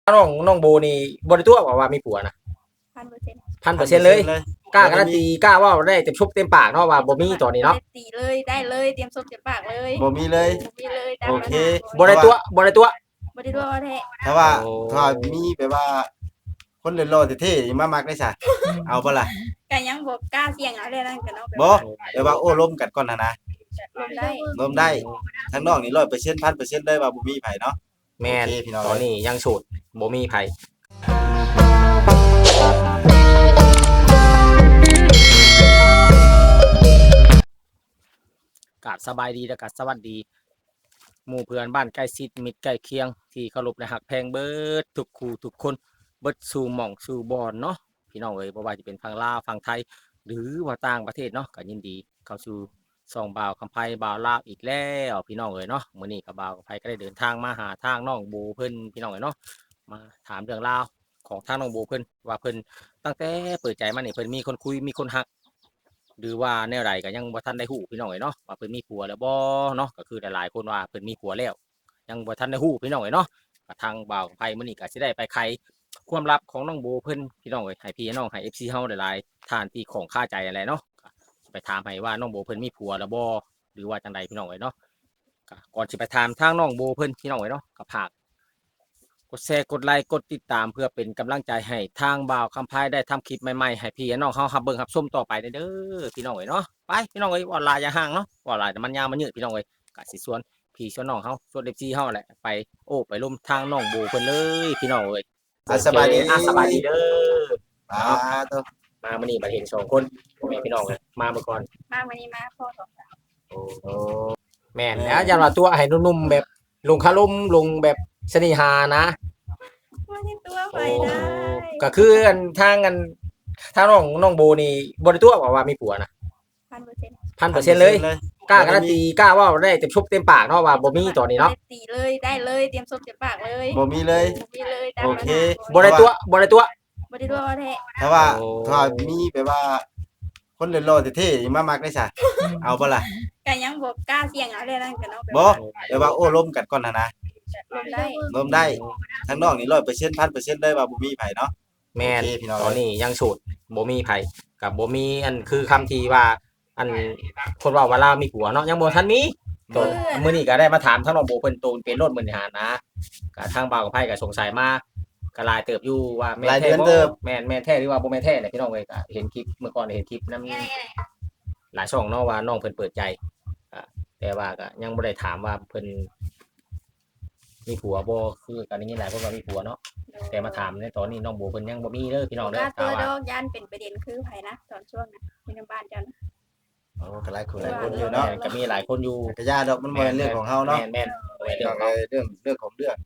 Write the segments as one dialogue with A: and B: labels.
A: น้องโบนี่บ่ได้ตัวว่ามีผัวนะ
B: 1,000%
A: 1,000%เลยกล้าการันตีกล้าเว้าได้เต็มชุบเต็มปากเนาะว่าบ่มีตอนนี้เนาะ
B: บ่ได้ตีเลยได้เลยเตรียมส้มเตรียมปากเลย
C: บ่มีเลย
B: บ่มีเลยตาม
C: โอ
B: ปัญ
C: เค
B: หา
A: บ่ได้ตัว
B: บ่ได้ตัวแท้
C: ถ้าว่า
A: โอ้
C: ถ้าว่ามีแบบว่า คนเล่นโลเท่ๆมามักได้ซะเอาบ่ล่ะ
B: ก็ยังบ่กล้าเสี่ยงเอาเลยนั่นก็เนาะแบบ
C: บ่เดี๋ยวว่าโอ้ล้มกันก่อนนะ
B: ลงได้
C: ล้มได้ทั้งน้องนี่100% 1,000%เลยว่าบ่มีไผเนาะ
A: แม่น
C: โอเคพี่น้อง
A: ตอนนี้ยังโสดบ่มีไผกราบสบายดีและก็สวัสดี หมู่เพื่อนบ้านใกล้ชิดมิตรใกล้เคียงที่เคารพและฮักแพงเบิดทุกคู่ทุกคนเบิดสู่หม่องสู่บอนเนาะพี่น้องเอ้ยบ่ว่าจะเป็นฝั่งลาวฝั่งไทย หรือว่าต่างประเทศเนาะก็ยินดีเข้าสู่ส่องบ่าวคำไพบ่าวลาวอีกแล้วพี่น้องเอ้ยเนาะมื้อนี้ก็บ่าวคำไพก็ได้เดินทางมาหาทางน้องโบเพิ่นพี่น้องเอ้ยเนาะมาถามเรื่องราวของทางน้องโบเพิ่นว่าเพิ่นตั้งแต่เปิดใจมานี่เพิ่นมีคนคุยมีคนฮัก หรือว่าแนวใดก็ยังบ่ทันได้ฮู้พี่น้องเอ้ยเนาะว่าเพิ่นมีผัวแล้วบ่เนาะก็คือหลายๆคนว่าเพิ่นมีผัวแล้วยังบ่ทันได้ฮู้พี่น้องเอ้ยเนาะก็ทางบ่าวไผมื้อนี้ก็สิได้ไปไขความลับของน้องโบเพิ่นพี่น้องเอ้ยให้พี่น้องให้ FC เฮาหลายๆท่านที่ของคาใจอะไรเนาะก็ไปถามให้ว่าน้องโบเพิ่นมีผัวแล้วบ่หรือว่าจังใดพี่น้องเอ้ยเนาะก็ก่อนสิไปถามทางน้องโบเพิ่นพี่น้องเอ้ยเนาะก็ฝากกดแชร์กดไลค์กดติดตามเพื่อเป็นกำลังใจให้ทางบ่าวคำพายได้ทำคลิปใหม่ๆให้พี่น้องเฮารับเบิ่งรับชมต่อไปเด้อพี่น้องเอ้ยเนาะไปพี่น้องเอ้ยว่าลายอย่าห่างเนาะว่าลายแต่มันยาวมันยืดพี่น้องเอ้ยก็สิชวนพี่ชวนน้องเฮาชวน FC เฮาแหละไปโอ้ไปร่วมทางน้องโบเพิ่นเลยพี่น้องเอ้ย
C: สบายดี
A: สบายดีเด้อ
C: อ่าตัว
A: มามื้อนี้มาเห็น2คนพ่อแม่พี่น้องเลยมาเมื่อก่อน
B: มาวันนี้มาพ่อสองสาว
A: โอ้แม่นแล้วอย่าว่าตัวให้นุ่มๆแบบลงคารมลงแบบเสน่หานะ
B: ว่าที่ตัวไปได้
A: ก็คืออันทางน้องโบนี่บ่ได้ตัวว่ามีผัวนะ
B: 1,000%
A: 1,000%เลยกล้าการันตีกล้าเว้าได้เต็มชุบเต็มปากเนาะว่าบ่มีตอนนี้เนาะ
B: บ่ได้ตีเลยได้เลยเตรียมส้มเตรียมปากเลย
C: บ่มีเลย
B: บ่มีเลยตาม
C: โอ
B: ปัญ
C: เค
B: หา
A: บ่ได้ตัว
B: บ่ได้ตัวแท้
C: ถ้าว่า
A: โอ้
C: ถ้าว่ามีแบบว่า คนเล่นโลเท่ๆมามักได้ซะเอาบ่ล่ะ
B: ก็ยังบ่กล้าเสี่ยงเอาเลยนั่นก็เนาะแบบ
C: บ่เดี๋ยวว่าโอ้ล้มกันก่อนนะ
B: ลงได้
C: ล้มได้ทั้งน้องนี่100% 1,000% เลยว่าบ่มีไผเนาะ
A: แม่น
C: โอเคพี่น้อง
A: ตอนนี้ยังโสดบ่มีไผกับบ่มีอันคือคำที่ว่าอันคนเว้าว่าลาวมีผัวเนาะยังบ่ทันมีตอนมื้อนี้ก็ได้มาถามทางน้องโบเพิ่นโตนเป็นรถมื้อนี้หานะก็ทางบ่าวกับไผก็สงสัยมาก็หลายเติบอยู่ว่าแม่นแท้บ่แม่นแท้หรือว่าบ่แม่นแท้เนี่ยพี่น้องเอ้ยก็เห็นคลิปเมื่อก่อนเห็นคลิปนำหลายช่องเนาะว่าน้องเพิ่นเปิดใจแต่ว่าก็ยังบ่ได้ถามว่าเพิ่นมีผัวบ่คือกันอย่างนี้หลายคนว่ามีผัวเนาะแต่มาถามในตอนนี้น้องโบเพิ่นยังบ่มีเด้อพี่น้องเด้
B: ก
A: อ
B: ล้าตัว
A: ว่า
B: ดอกย่านเป็นประเด็นคือไผนะตอนช่วงน่ะมีน้ำบ้านจัน
C: โอ้ก็หลายคนหลายคนอยู่เนาะ
A: ก็มีหลายคนอยู่
C: ก็ย่าดอกมันบ่แม่นเรื่องของเฮาเนาะ
A: แม่นเรื่อง
C: เรื่องของเรื่อง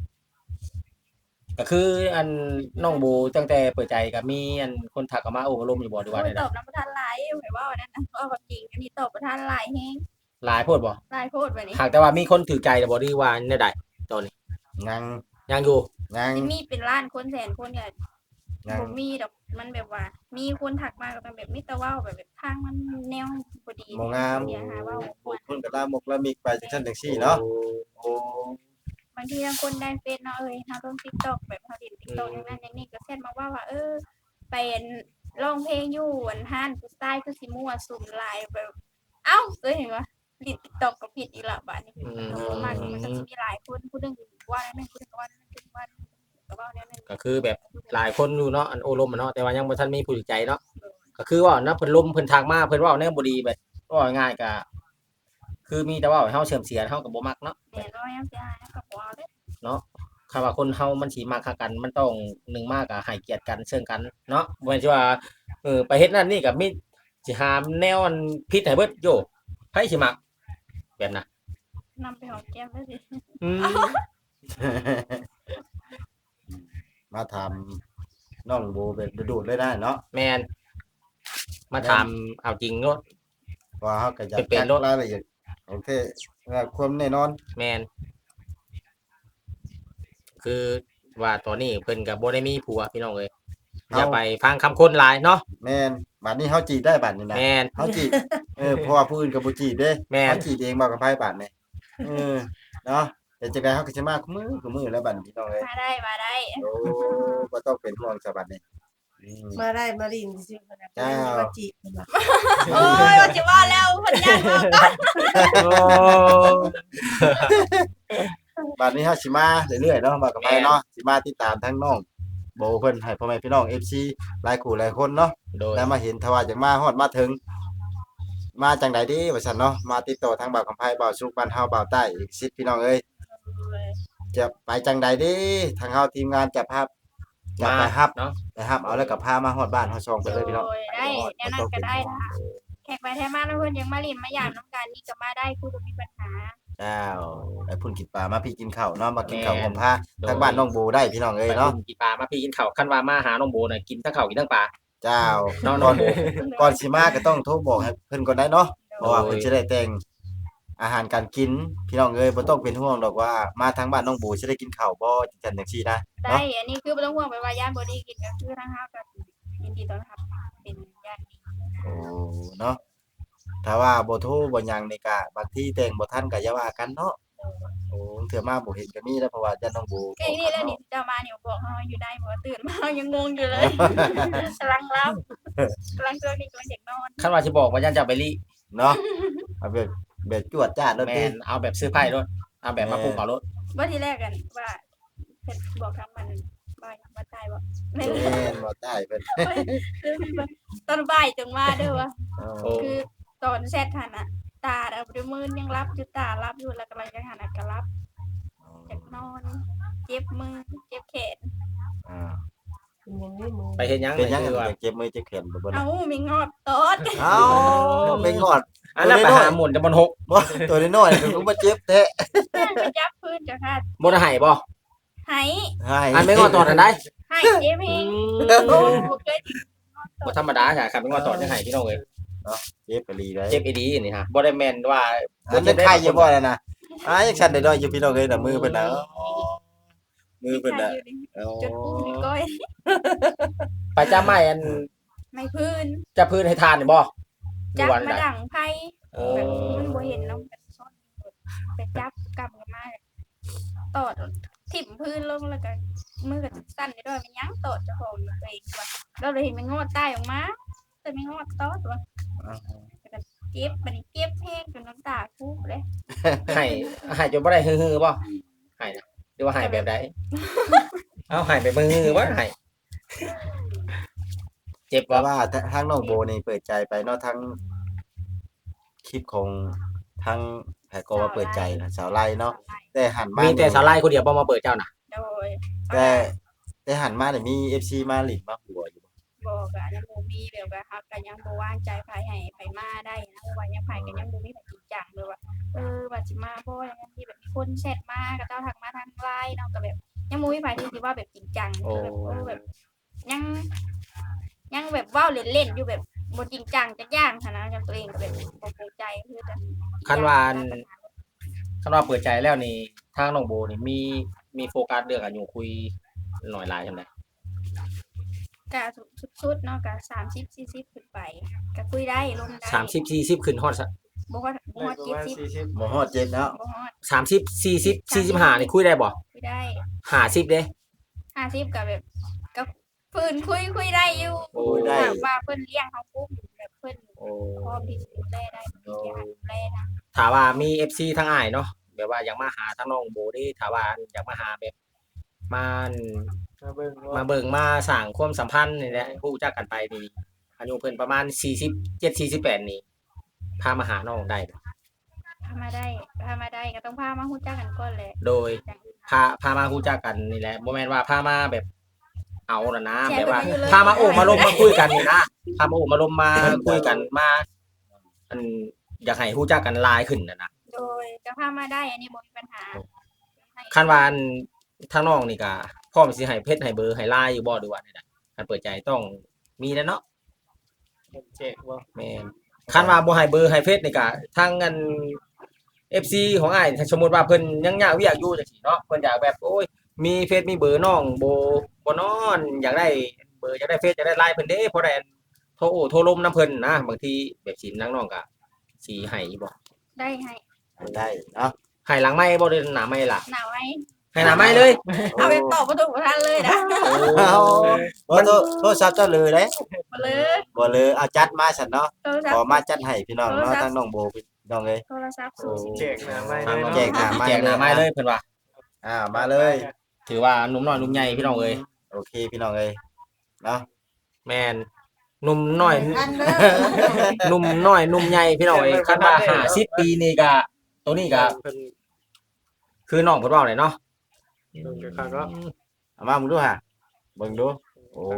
A: ก็คืออันน้องโบตั้งแต่เปิดใจก็มีอันคนทักเข้ามาโอ้ลมอยู่บ่ดีว่า
B: โอ้ย
A: ได้
B: ตอบน้ำประทานหลายไผว่าว่านั่นน่ะว่าความจริงอันนี้ตอบประทานหลายแฮง
A: หลายโพดบ่
B: หลายโพดบัดนี้
A: หากแต่ว่ามีคนถือใจบ่ดีว่าแนวใดตอนนี้
C: ยัง
A: ยังอยู่
C: ยัง
B: สิมีเป็นล้านคนแสนคนก็
C: ยัง
B: บ่มีดอกมันแบบว่า มีคนทักมาก็แบบมีแต่เว้าแบบทางมันแนวบ่ดี
C: บ่งาม
B: เสียหาเว้าม่วน
C: คนก็ลามกละมิกไปจังซั่นจังซี่เนาะโอ้
B: บางทีบางคนได้เฟซเนาะเอ้ยเฮาลง TikTok แบบเฮาเล่น TikTok อย่างนั้นอย่างนี้ก็แชทมาว่าไปร้องเพลงอยู่อันห้านผู้ชายคือสิมั่วสุมหลายแบบเอ้าเคยเห็นว่าลิด TikTok ก็ผิดอีกและบัดนี้มากมันก็สิมีหลายคนผู้หนึงว่านั่นผู้หนึงก็ว่านั่นผู้หนึงว่านั่นก็ว่าแนวนั้น
A: ก็คือแบบหลายคนอยู่เนาะอันโอ้ลมเนาะแต่ว่ายังบ่ทันมีผู้ถือใจเนาะก็คือว่านะเพิ่นลมเพิ่นทักมาเพิ่นเว้าแนวบ่ดีแบบว่าง่ายก็คือมีแต่ว่าให้เฮาเสื่อมเสียเฮาก็บ่มักเนาะ
B: แม่นว่ายังสิหาก็บ่เอาเด้
A: เนาะคำว่าคนเฮามันสิมาหากันมันต้องหนึ่งมากอะให้เกียรติกันเชิงกันเนาะบ่แม่นสิว่าไปเฮ็ดนั่นนี่ก็มีสิหาแนวอันผิดให้เบิดโยไผสิมักแบบน่ะ
B: นำไปหอมแก้มได้สิ
A: อืม
C: มาถามน้องโบแบบดูดๆเลยได้เนาะ
A: แม่นมาถามเอาจริงโลด
C: ว่าเฮาก็อยาก
A: เป็น
C: จัก
A: รถ
C: รายละเอียดโอเคว่าความแน่นอน
A: แม่นคือว่าตอนนี้เพิ่นก็บ่ได้มีผัวพี่น้องเอ้ยอย่าไปฟังคำคนหลายเนาะ
C: แม่นบัดนี้เฮาจีบได้บัดนี้นะ
A: แม่น
C: เฮาจีบเพราะว่าผู้อื่นก็บ่จีบเด้
A: แม่น
C: เฮาจีบเองบ่กับไผบัดนี่เนาะแต่จังได๋เฮาก็สิมาคุมื้อแล้วบัดนี้พี่น้องเอ้ย
B: มาได้
C: โอ้บ่ต้องเป็นห่วงสบัดนี้
D: มาได้มาลินซื่อๆเพิ่นน่ะ
C: จ้า
D: เพิ่นว่าจีบเพิ่นว่า
B: โอ้ยว่าจะว่าแล้วเพิ่นย่านบอกก่อน
A: โอ้
C: บัดนี้เฮาสิมาเรื่อยๆเนาะว่ากันไปเนาะสิมาติดตามทั้งน้องโบเพิ่นให้พ่อแม่พี่น้อง FC หลายคู่หลายคนเนาะ
A: โดย
C: แล้วมาเห็นถ้าว่าจังมาฮอดมาถึง มาจังใดดีว่าซั่นเนาะมาติดต่อทางบ่าวคำไผบ่าวสุกบ้านเฮาบ่าวใต้อีก10พี่น้องเอ้ยจะไปจังใดดีทางเฮาทีมงานจะพาจะไปรับ
A: เนาะ
C: ไปรับเอาแล้วก็พามาฮอดบ้านฮอดช่องไปเลยพี่น้อง
B: โดยได้แนวนั้นก็ได้ล่ะแขกไปแท้มาแล้วเพิ่นยังมาลิ้นมาหยามน้ำกันนี่ก็มาได้คือบ่มีปัญหา
C: เจ้าไปพุ่นกินปลามาพี่กินข้าวเนาะมากินข้าวผมพาทางบ้านน้องโบได้พี่น้องเอ้ย
A: ไป
C: เนาะ
A: กินปลามาพี่กินข้าวคันว่ามาหาน้องโบน่ะกินทั้งข้าวกินทั้งปลา
C: เจ้า
A: เนาะ
C: ก่
A: น้
C: อ
A: อง
C: น
A: โบ
C: ก่อนสิมาก็ต้องโทรบอกให้เพิ่นก่อนได้เนาะเพ
A: โอ้
C: ราะว่าเพิ่นสิได้แต่งอาหารการกินพี่น้องเอ้ยบ่ต้องเป็นห่วงดอกว่ามาทางบ้านน้องโบสิได้กินข้าวบ่จังซั่นจังซี่นะ
B: ได้
C: เนาะ
B: อันนี้คือบ่ต้องห่วงไปว่าย่านบ่ได้กินก็คือทางเฮาก็ยินดีต้อนรับเป็นญาติดี
C: โอ้เนาะถ้าว่าบ่โทรบ่หยังนี่ก็บางทีแต่งบ่ทันก็อย่าว่ากันเนาะโอ้เทื่อมาบ่เห็นก็มีแล้วเพราะว่าญาติน้องโบ
B: ก็นี่แหล้วนี่เจ้ามานี่บอกเฮาอยู่ได้บ่ตื่นมายังงงอยู่เลยกำลังรับกำลังช่วงนี้กำลังเด็กนอน
A: คันว่าสิบอกว่าย่านจะไปลิ
C: เนาะเอาแบบจวดจ้าดเลย
A: แม่
C: ติ
A: นเอาแบบซื้อไพ่รถเอาแบบมาปลูกเอารถ
B: ว่าทีแรกกันว่าเพิ่นบอกทางมันบ่ตายบ่แม่น
C: แม่นบ่ได้เพิ่น
B: ตอนบ่ายจังมาเด้อว่า
A: โอ้
B: คือตอนแซดหันน่ะตาเอาด้วยมือยังรับอยู่ตารับอยู่แล้วกำลังจะหันน่ะก็รับอยากนอน เจ็บมือเจ็บแขน
C: อ่า
D: เป็นหยังนี่มึง
A: ไปเฮ็ดหยัง
C: เป็นหยัง
A: คือว่า
C: เจ็บมือเจ็บแขนบ่เบิ่น
B: เอ้ามีงอบตอด
C: เอ้าไม่งอด
A: อันนั้นไปหาหมุนจะบนหก
C: บ่ตัวน้อยๆถึงมาเจ็บแท้
B: ไปจับพื้นจ้ะค่ะ
A: บนไห้บ่
B: ไหาย
C: ให้
A: อันไม่งอตอดอันได้
B: หายเจ็บเองโอ้บ่เคยถึงงอบตอ
A: บ่
B: ด
A: ธรรมดาค่ะครับไม่งอตอดยังไห้พี่น้องเอ้ย
C: เจ็บไปลีได้
A: เจ็บอีดีนี่ฮะบ่ได้แม่นว่า
C: มันยังไข้อยู่บ่ล่ะนะยังสั่นได้ดอยอยู่พี่น้องเอ้ยน่ะมือเพิ่นน่ะมือเพิ่นน่ะ
B: จนอุ้มนี่ก้อย
A: ไปจ้าไม้อัน
B: ไม่พื้น
A: จะพื้นให้ทานนี่บ่
B: จับ
A: วัน
B: มา
A: ใด
B: ดังไผ
A: โอ้
B: แบบมันบ่เห็นเนาะแบบซ่อนไปจับกำกันมาตอดถิ่มพื้นลงแล้วก็มือก็สั่นได้ด้วยมันยังตอดเจ้าของอยู่ตัวเองว่าเราเลยเห็นมันงอดใต้ออกมา แต่ไม่งอดตอดว่ะเก็บบัดนี้เก็บแห้งจนน้ำตาคูเลย
A: ให้จนบ่ได้ฮือๆบ่ให้นะหรือว่าให้แบบใดเอาให้แบบมือบ่ให้เจ็บ
C: เพราะ
A: บ่
C: ว่าทางน้องโบนี่เปิดใจไปเนาะทั้งคลิปของทางแพก็ว่าเปิดใจนะสาวไล่เนาะแต่หันมา
A: มี
C: มี
A: แต่สาลายคนเดียวบ่มาเปิดเจ้าน่ะ
B: โดย
C: แต่หันมาเนี่ยมี FC มาหลินมาหัวอยู่
B: บอกอะยังบ่มีแบบว่าครับก็ยังบ่ว่างใจไผให้ไผมาได้นะเพราะว่ายังไผก็ยังบ่มีไผจริงจังเลยว่าว่าสิมาเพราะว่าอย่างนั้นที่แบบมีคนแชทมาก็เจ้าทักมาทาง LINE เนาะก็แบบยังบ่มีไผที่สิว่าแบบจริงจังคือแบบยังแบบเว้าเล่นๆอยู่แบบบ่จริงจังจักอย่างหันนะกับตัวเองก็แบบบ่เข้าใจคือจะ
A: คันว่าเปิดใจแล้วนี่ทางน้องโบนี่มีโฟกัสเรื่องอายุคุยหน่อยหลายจังได๋
B: กะสุดๆเนาะกะ30 40ขึ้นไปก็คุยได้ลงได้
A: 30 40ขึ้นฮอด
B: บ่ฮอด70
C: บ่ฮอดเจ็ดแล้ว
B: บ่ฮอด
A: 30 40 45นี่คุยได้บ่
B: คุยได้
A: 50เด้
B: 50ก็แบบก็เพิ่นคุยได้อยู่
A: โอ้
C: ได้
B: ถามว่าเพิ่นเลี้ยงเฮาปุ๊บแบบเพิ่น
A: โอ้
B: พร้อมที่จะดูแลได้มีที่ให้ดูแลนะ
A: ถ้าว่ามี FC ทางอ้ายเนาะแบบว่าอยากมาหาทางน้องโบเด้ถ้าว่าอยากมาหาแบบมาเบิ่งมาสร้างความสัมพันธ์นี่แหละรู้จักกันไปนี่อายุเพิ่นประมาณ47 48นี่พามาหาน้องได้
B: พามาได้ก็ต้องพามาฮู้จักกันก่อนแหละ
A: โดยพามารู้จักกันนี่แหละบ่แม่นว่าพามาแบบเอาล่ะนะแบบว่าพามาโอ้มาลมมาคุยกันนี่นะพามาโอ้มาลมมาคุยกันมาอันอยากให้รู้จักกันหลายขึ้นนะ
B: โดยก็พามาได้อันนี้บ่มีปัญหา
A: คันว่าอันทางน้องนี่ก็พร้อมสิให้เพชรให้เบอร์ให้ไลน์อยู่บ่หรือว่าใดๆคันเปิดใจต้องมีแล้วเนาะ
E: เจ๊กบ่
A: แม่นคันว่าบ่ให้เบอร์ให้เพชรนี่ก็ทางอัน FC ของอ้ายถ้าสมมุติว่าเพิ่นยังยากเวียกอยู่จังซี่เนาะเพิ่นอยากแบบโอ้ยมีเฟซมีเบอร์น้องบ่นอนอยากได้เบอร์อยากได้เฟซอยากได้ไลน์เพิ่นเด้เพราะได้โทรลมนํเพิ่นนะบางทีแบบสินางน้องก็สิให้บ่
B: ได้ให้
C: ได้เนาะ
A: ให้หลังไม้บ่ได้หน้าไม้ล่ะ
B: หนาวไหม
A: ให้หน้าไม้เลย
B: เอาไปตอบประตูประทันเลยนะ
C: เอาบ่โทรศัพท์เจ้าเลยเด้
B: มาเลย
C: บ่เลยเอาจัดมาซั่นเนาะ
B: โทรศั
C: ข
B: พ
C: อ
B: ท์
C: มาจัดให้พี่น้องเนาะทางน้องโบพี่น้องเอ้ย
B: โทรศัพท์สูง
E: แจกหน้าไม้
A: ทาง
E: เลย
A: น้อง
E: เนาะ
C: แจกหน้าไม้
A: แจกหน้าไม้เลยเพิ่นว่า
C: มาเลย
A: ถือว่าหนุ่มน้อยหนุ่มใหญ่พี่น้องเอ้ย
C: โอเคพี่น้องเอ้ยเนาะ
A: แม่นหนุ่มน้อย
D: อันเด้อ
A: หนุ่มน้อยหนุ่มใหญ่พี่น้องเอ้ยคันว่า50ปีนี่ก็ตัวนี้ก็
E: เพิ่น
A: คือน้องเพิ่นเว้าเลยเนาะ
E: เพิ่นก็คักเนาะ
C: เอามามึงดูฮะเบิ่งดูโอ้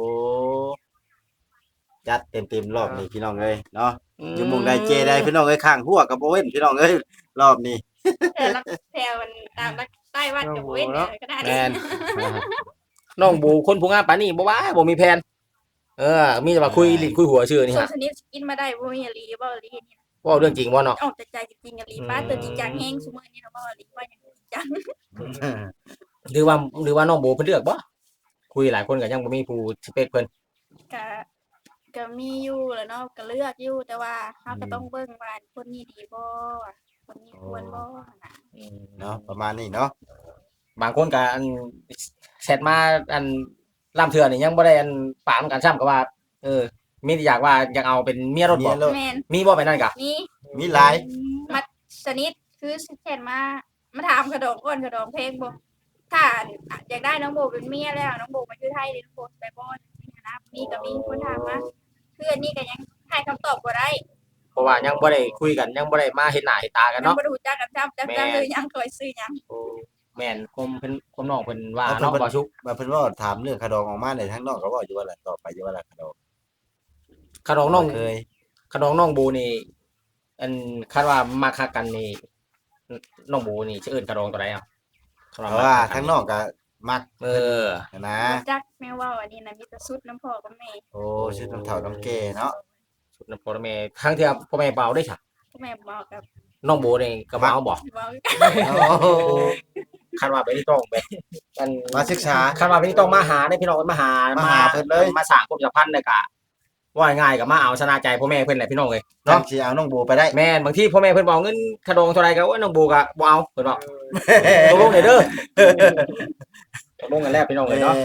C: จัดเต็มๆรอบนี้พี่น้องเอ้ยเนาะอยู่หมุงใดเจได้พี่น้องเอ้ยข้างหัวกับบ่เว้นพี่น้องเอ้ยรอบนี้
B: แต่ละแถวมันตามรักใต้วัดกับเว้นเนี่ยก็ได้
A: แม่นน้องบูคนผู้งามปานนี้บ่ว่าบ่มีแผนมีแต่ว่าคุยลิ้นคุยหัวชื่อนี่
B: ส่วน
A: ฮะ
B: ชนิดกินมาได้บ่มีอลีบ่อลีนี่
A: เว้าเรื่องจริงบ่เนาะ
B: ออกจากใจจริงๆอลีป้าตัวจริงจังแห้งซุมื้อนี้เนาะบ่อลีว่าอย่างจริงจัง
A: หรือว่าน้องโบเพิ่นเลือกบ่คุยหลายคนก็ยังบ่มีผู้สเปคเพิ่น
B: ก็มีอยู่แหล้วเนาะก็เลือกอยู่แต่ว่าเฮาก็ต้องเบิ่งว่าคนนี้ดีบ่คนนี้ควรบ่นะ
C: เนาะประมาณนี้เนาะ
A: บางคนก็อันแชทมาอันล่ำเถื่อนี่ยังบ่ได้อันปามกันซ้ำก็ว่า มีแต่อยากว่าอยากเอาเป็นเมียรถบ่
B: แม่น
A: มีบ่ไปนั่นกะ
B: นี่
C: มีหลาย
B: มาชนิดคือแค่มาถามกระดองก่อนกระดองเพลงบ่ถ้าอยากได้น้องโบเป็นเมียแล้วน้องโบมาอยู่ไทยนี่น้องโบไปบ่นี่นะมีก็มีคนถามมาคืออันนี้ก็ยังให้คำตอบบ่ได้
A: เพราะว่ายังบ่ได้คุยกันยังบ่ได้มาเห็นหน้าเห็นตากัน
B: ยัง
A: เนาะ
B: บ่รู้จักกันจ้ำเลยยังเคยซื้อยัง
A: แม่นความน้องเพิ่นว่าเนาะบ่ชุก
C: มาเพิ่นว่าถามเรื่องขดองออกมาในทั้งนอกก็เว้าอยู่ว่าล่ะต่อไปอยู่ว่าล่ะขดอง
A: ขนองน้อง
C: เคย
A: ขนองน้องโบนี่อันคาดว่ามาคักกันนี่น้องโบนี่สิเอิ้นขนองตัวใดอ่ะ
C: เพราะว่าทั้งนอกก็มัก
A: เออ
C: นะ
B: จักแม่ว่าอันนี้นะมีแต่สุดน้ำพ่อกับแม่
C: โอ้ชุดน้ำเฒ่าน้ำแก่เนาะ
A: สุดนะพ่อแม่ทั้งที่พ่อแม่เปล่าได้ค่ะ
B: แม่บอกกับ
A: น้องโบนี่ก็มาเอาบ่
B: บอก
C: โอ้
A: คันว่าไปนี่ต้องไปกัน
C: มาศึกษา
A: คันว่าไปนี่ต้องมาหาได้พี่น้องมาหา
C: มาหาเพิ่นเลย
A: มาสร้างความสัมพันธ์เลยกะว่าง่ายก็มาเอาชนะใจพ่อแม่เพิ่นแหละพี่น้องเอ้ย
C: น้อง
A: เนาะ
C: สิเอาน้องโบไปได้
A: แม่นบางทีพ่อแม่เพิ่นบอกเงินขนองเท่าใดก็ว่าน้องโบก็บ่เอาเพิ่นบอกตกลงได้เด้อตกลงกันแล้วพี่น้องเอ้ยเนาะ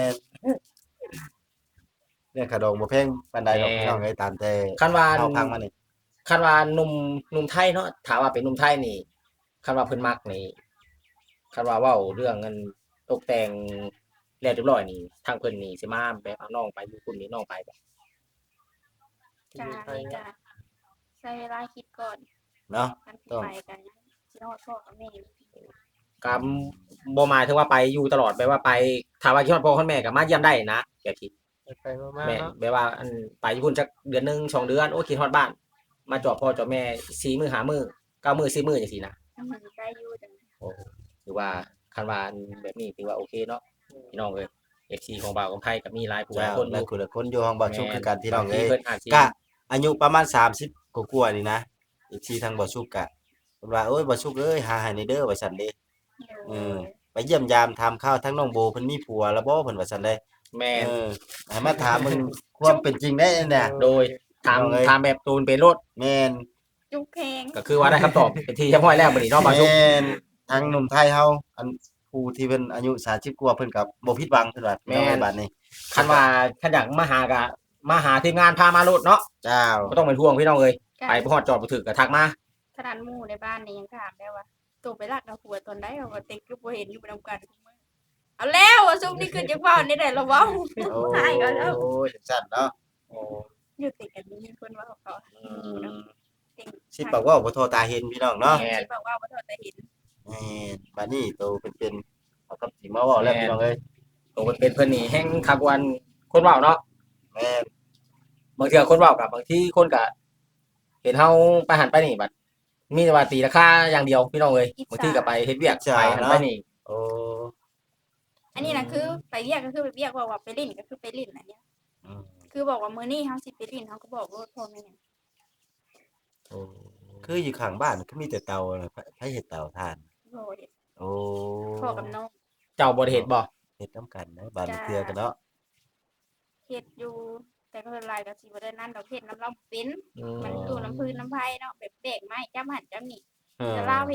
C: เนี่ยขดองบ่แพงปานใดดอกพี่น้องเอ้ยตามแต่
A: คันว่า
C: เฮาพังมานี่
A: คันว่าหนุ่มไทยเนาะถามว่าเป็นหนุ่มไทยนี่คันว่าเพิ่นมักนี่คันว่าเว้าเรื่องเงินตกแต่งแล้วเรียบร้อยนี่ทางเพิ่นนี่สิมาแบบเอาน้องไปอยู่คุณนี่น้องไปบ่
B: กานี่กาใช้เวลาคิดก่อน
C: เนาะ
B: กันสิไปกันสิฮอดพ่อกับแม่
A: ก็บ่หมายถึงว่าไปอยู่ตลอดแบบว่าไปถ้าว่าคิดฮอดพ่อฮอดแม่ก็มาเยี่ยมได้นะแบบที่
E: ไปมา
A: แม่
E: ๆเนาะ
A: แบบว่าอันไปอยู่พุ่นจักเดือนหนึง2เดือนโอ้คิดฮอดบ้าน มาจอบพ่อจอบแม่4มื้อ5มื้อ9มื้อ10มื้อจังซี่นะ
B: มันใกล้อยู่จัง
A: ถือว่าคันว่าแบบนี้ถือว่าโอเคเนาะพี่น้องเอ้ย FC ของบ่าวของไทยก็มีหลายผู้หลาย
C: เจ้า
A: คนอ
C: และ
A: ยู่
C: คุณละคนอยู่ห้องบ่ชุกคือกันพี่น้อง
A: บางที
C: เอ้ย
A: เพิ่นอาจสิ
C: ก็อายุประมาณ30กว่าๆนี่นะอีกทีทางบ่ชุกก็เพิ่นว่าโอ้ยบ่ชุกเอ้ยหาให้ในเด้อว่าซั่นเด้ ไปเยี่ยมยามถามข่าวทั้งน้องโบเพิ่นมีผัวแล้วบ่เพิ่นว่าซั่นเด้
A: แม่น
C: ให้มาถามมึงความเป็นจริงได้เนี่ย
A: โดยถาม
C: เอาเลย
A: ถามแบบตูนเป็นรถ
C: แม่น
B: จุกเพลง
A: ก็คือว่าได้คำตอบเป็นที่เรียบร้อยแล้วบัดนี้เนาะบ่าวชุก
C: แม่นทางหนุ่มไทยเฮาอันผู้ที่เพิ่นอายุ30กว่าเพิ่นก็บ่ผิดหวังเพิ่นว่าแม่นบัดนี้
A: คันว่าคันอยากมาหาก็มาหาทีมงานพามาโลดเนาะ
C: เจ้า
A: บ่ต้องเป็นห่วงพี่น้องเอ้ยไปบ่ฮอดจอดบ่ถึกก็ทักมา
B: ขนาดหมู่ในบ้านนี่ยังถามได้ว่าตัวไปรักเอาผัวตอนใดเอาว่าเต็กคือบ่เห็นอยู่นำกันทุกมื้อเอาแล้วซุมนี่คือจังว่านี่ได้ละเว้า
C: โอ้
B: ใช่ก็แล้ว
C: โอ้ยจังซั่นเนาะ
B: อยู่ติดกันมีคนว่าเขาเก่ง
C: สิบอกว่าบ่โทรตาเห็นพี่น้องเนาะ
B: สิบอกว่าบ่เท่าแต่เห็น
C: แม่นบัดนี้โตเป็นเอากับสิมาเว้าแล้วพี่น้องเอ้ย
A: โอ้เป็นเพิ่นนี่แฮงคักวันคนเว้าเนาะ
C: แม่น
A: บางเทื่อคนเว้ากับบางทีคนก็เห็นเฮาไปหันไปนี่บัดมีแต่ว่าตีราคาอย่างเดียวพี่น้องเอ้ยบางทีก็ไปเฮ็ดเวียกไปหันไปนี่
C: โอ้
B: อันนี้นะคือไปเรียกก็คือไปเรียกว่าไปลิ้นก็คือไปลิ้นอันเนี้ย
C: อืม
B: คือบอกว่ามื้อนี้เฮาสิไปลิ้นเฮาก็บอกว่าพ่อแม่
C: โอ้คืออยู่ข้างบ้านก็มีแต่เตาน่ะไผเฮ็ดเตาถ่าน
B: โอ้ย
C: โอ้
B: พ่อกับน้อง
A: เจ้าบ่ได้เฮ็ดบ่
C: เฮ็ดนํกันนะบ้านเทื่อกันเนาะ
B: เฮ็ดอยู่ แต่ก็หลายก็สิบ่ได้นั่นดอกเฮ็ดน้ำเราเป็น
A: อืม
B: มันอยู่น้ำพื้นน้ำไผเนาะแบบแบกไม้จ้ำหันจ้ำนี่
C: เออ
B: แต่ลาวเฮ็ด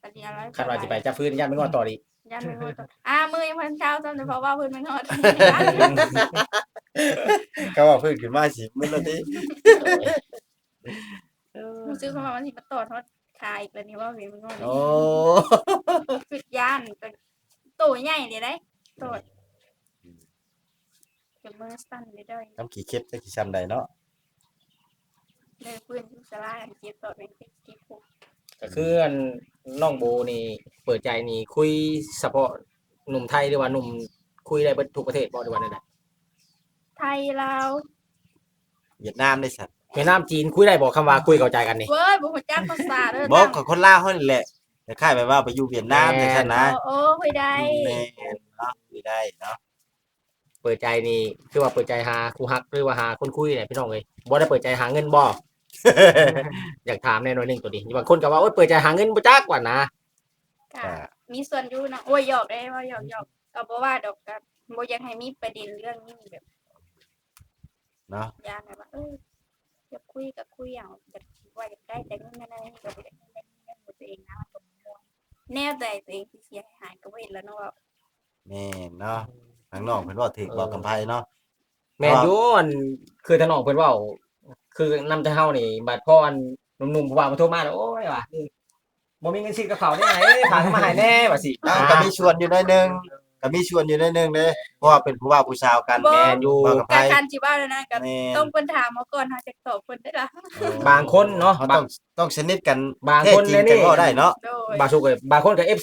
B: ปฏิอะไร
A: คาดว่าสิไปจับฟื้นยันไม่งอต่ออีก
B: ยันไปงอต่อมือยังพันเช้าจำเพราะว่าเพิ่นมันงอด
C: ก็ว่าเพิ่นขึ้นมาสิมื้อละติ
B: รู้สึกว่ามันสิมาตอดฮอดคาอีกแล้วนี่ว่าเพิ่นมันงอด
C: โอ้
B: สุดย่านโตใหญ่เลยได้ตอดเก็บมือสั่นเลยได้
C: น้ำขี้เข็บจักสิซ้ำใดเนาะ
B: เลยเพื่อนสลายอันเก็บตอดเป็นที่ผูก
A: ก็คืออันน้องโบนี่เปิดใจนี่คุยเฉพาะหนุ่มไทยหรือว่าหนุ่มคุยได้เบิดทุกประเทศบ่หรือว่าใด
B: ไทยลาว
C: เวียดนามได้สัตว์
A: ๆเวียดนามจีนคุยได้บ่คำว่าคุยเข้าใจกันนี่
B: เว้ยบ่ฮู้จักภาษาเด้อ
C: บอกกับคนลาวเฮานี่แหละแต่คล้ายแบบว่าไปอยู่เวียดนามจังซั่นนะ
B: โอ้คุยได้
C: แม่นเนาะคุยได้เนาะ
A: เปิดใจนี่คือว่าเปิดใจหาคู่ฮักหรือว่าหาคนคุยเนี่ยพี่น้องเอ้ยบ่ได้เปิดใจหาเงินบ่ อยากถามแน่นอนหนึงตัวนี้บางคนก็ว่าโอ๊ยเปิดใจหาเงินบ่จักว่านะ
B: ก็มีส่วนอยู่เนาะโอ้ยหยอกได้ว่าหยอกก็บ่ว่าดอกก็บ่อยากให้มีประเด็นเรื่องนี้แบบ
C: เนาะ
B: ย่านแบบว่าอยากคุยก็คุยเอาแบบว่าอยากได้แต่เงินนั่นนี่ก็บ่ได้เงินตัวเองนะมันก็ม่วนแนวใดตัวเองสิเสียหายก็บ่เห็นแล้วเนาะว่า
C: แม่นเนาะทางน้องเพิ่นว่าถึกบอกกำไผเนาะ
A: แม่นอยู่อันคือทางน้องเพิ่นเว้าคือนำแต่เฮานี่บัดพ่ออันหนุ่มๆผู้ว่ามาโทรมาแล้วโอ้ยว่ะบ่มีเงินซื้อกระเป๋าได้ไหนฝากมาให้แน่ว่าสิ
C: อ้าวก็มีชวนอยู่หน่อยหนึงก็มีชวนอยู่หน่อยหนึงเด้เพราะว่าเป็นผู้ว่าผู้สาวกัน
B: บ่
A: แม่นอยู่
C: บอกกำไผ
B: การคันสิว่าแล้วนะก็
C: แม่น
B: ต้องเพิ่นถามมาก่อนเฮาจะตอบเพิ่นได้ล่ะ
A: บางคนเนาะ
C: เขา
A: บา
C: ต้อง งต้องสนิทกัน
A: บาง
C: แท้
A: คน
C: จริง
A: เลย
C: จั
A: นี่
C: งว่าได้เนาะ
B: โดย
A: บางสุกเลยบางคนกับ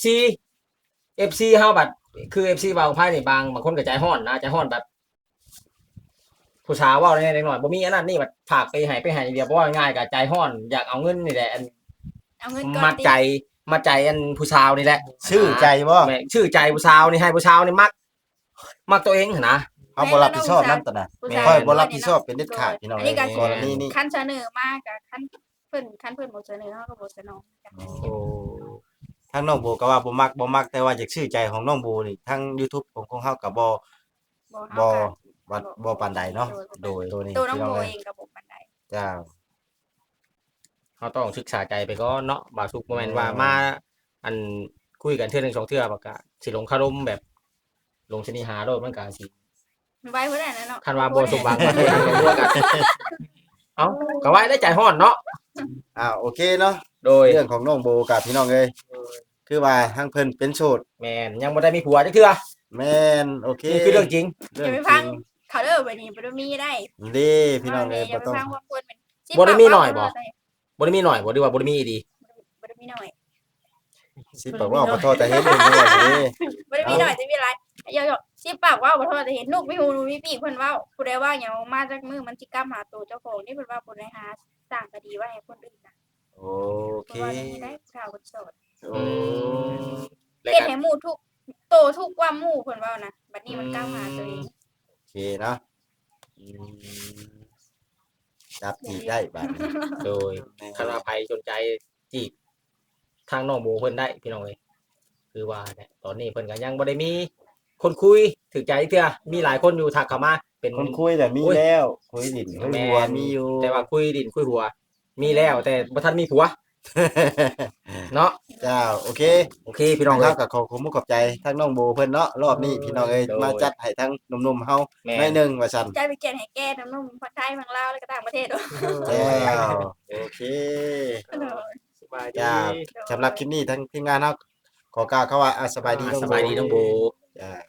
A: FC เฮาบัดคือ FC บางไพ่นี่บางคนก็ใจฮ้อนนะใจฮ้อนแบบ ผู้สาวเว้าได้หน่อยบ่มีอันนั้นนี่บัดฝากไปให้เดียวเพราะว่าง่ายก็ใจฮ้อนอยากเอาเงินนี่แหละอัน
B: เอาเงินก่อน
A: มัดใจอันผู้สาวนี่แหละ
C: ชื่อใจบ่
A: แม่ชื่อใจผู้สาวนี่ให้ผู้สาวนี่มักตัวเองหั่นนะ
C: เฮาบ่รับผิดชอบนำตอนน่ะ
B: ผู้ชาย
C: ค่อยบ่รับผิดชอบเป็นเด็ดขาดพี่น้อง
B: อันนี้ก็
C: กรณีนี้
B: คันเสนอมากับคันเพิ่นบ่เสนอเฮาก็บ่สนองกัน
A: โอ้
C: ทางน้องโบก็ว่าบ่มักแต่ว่าอยากชื่อใจของน้องโบนี่ทาง YouTube ของเฮาก็บ่
B: เฮา
C: บ่ปานใดเนาะโดยตัวนี้
B: ตัวน้อง
C: พี่
B: โบ
C: เอ้ย
B: เองก็บ่ปานใด
C: จ้า
A: เฮาต้องศึกษาใจไปก่อนเนาะบางสุกบ่แม่นว่ามาอันคุยกันเทื่อหนึงสองเทื่อบ่ก็สิลงคารมแบบลงชนิหาโลดมันก็สิ
B: ไว้เพิ่นน่ะเนาะ
A: คันว่าบ่สมหวังก็คือทางกันตัวกันเอ้าก็ไว้ได้ใจฮ้อนเนาะ
C: โอเคเนาะ
A: โดย
C: เรื่องของน้องโบกับพี่น้องเอ้ยคือว่าทางเพิ่นเป็นโสด
A: แม่นยังบ่ได้มีผัวจักเทื่อ
C: แม่นโอเค
A: นี่คือเรื่องจริง
B: อย่าไปฟังเขาเด้อบัดนี้บ่ได้มีได้
C: เด้พี่น้องเอ้ย
B: อย่า
C: บ่
B: ไป
C: ต้อง
B: ฟังว่าควรเป็น
A: บ่ได้มีหน่อยบ่ บ่ได้มีหน่อยบ่ดีว่าบ่ได้มีอีดี
B: บ่ได้มีหน่อย
C: สิบอกว่าบ่โทษแต่เห็นเรื่องนี้ว่าสิ
B: บ่ได้มีหน่อยจะมีอะไรอย่าสิปากว่าบ่โทษแต่เห็นลูกมีหูมีปีกเพิ่นเว้าผู้ใดว่าหยังมาจากมือมันสิกล้าหาตัวเจ้าของนี่เพิ่นว่าผู้ใดหาสร้างคดีไว้ให้คนอื่นน่ะ
C: โอเค
B: เพราะว่านี่ได้ข่าวคนโสด
C: โอ้
A: แล้ว
B: เฮ็ด
A: ก็
B: ให้หมู่ทุกโตทุกว่าหมู่เพิ่นเว้านะบัดนี้มันกล้าหาตัวเอง
C: โอเคเนาะอืมจับจีบได้บัดนี้
A: โดยคันว่าใครสนใจจีบทางน้องโบเพิ่นได้พี่น้องเอ้ยคือว่าเนี่ยตอนนี้เพิ่นก็ยังบ่ได้มีคนคุยถึกใจเทื่อมีหลายคนอยู่ทักเข้ามาเป็น
C: คนคุยแต่มีแล้วคุยดินคุยหัว
A: แม่น
C: มีอยู่
A: แต่ว่าคุยดินคุยหัว มีแล้วแต่บ่ทันมีผัวเนาะ
C: เจ้าโอเค
A: โอเคพี่น้อง
C: ค
A: เอ้
C: รั
A: ย
C: บก็ขอขอบคุณขอบใจทั้งน้องโบเพิ่นเนาะรอบนี้พี่น้องเอ้ย
A: โดย
C: มาจัดให้ทั้งหนุ่มๆเฮา
A: แม่
C: หน่อยหนึงว่าซั่น
B: ใจไปเกียนให้แก้ทั้งนุ่มทั้งไทยทั้งลาวแล้วก็ต่างประเทศด้วย
C: เจ้าโอเค
E: สบายดี
C: จ้าสำหรับคลิปนี้ทั้งทีมงานเฮาขอกล่าวคำว่าสบายดีน้อง
A: ส
C: โบ
A: บายดีน้องโบ
C: จ้า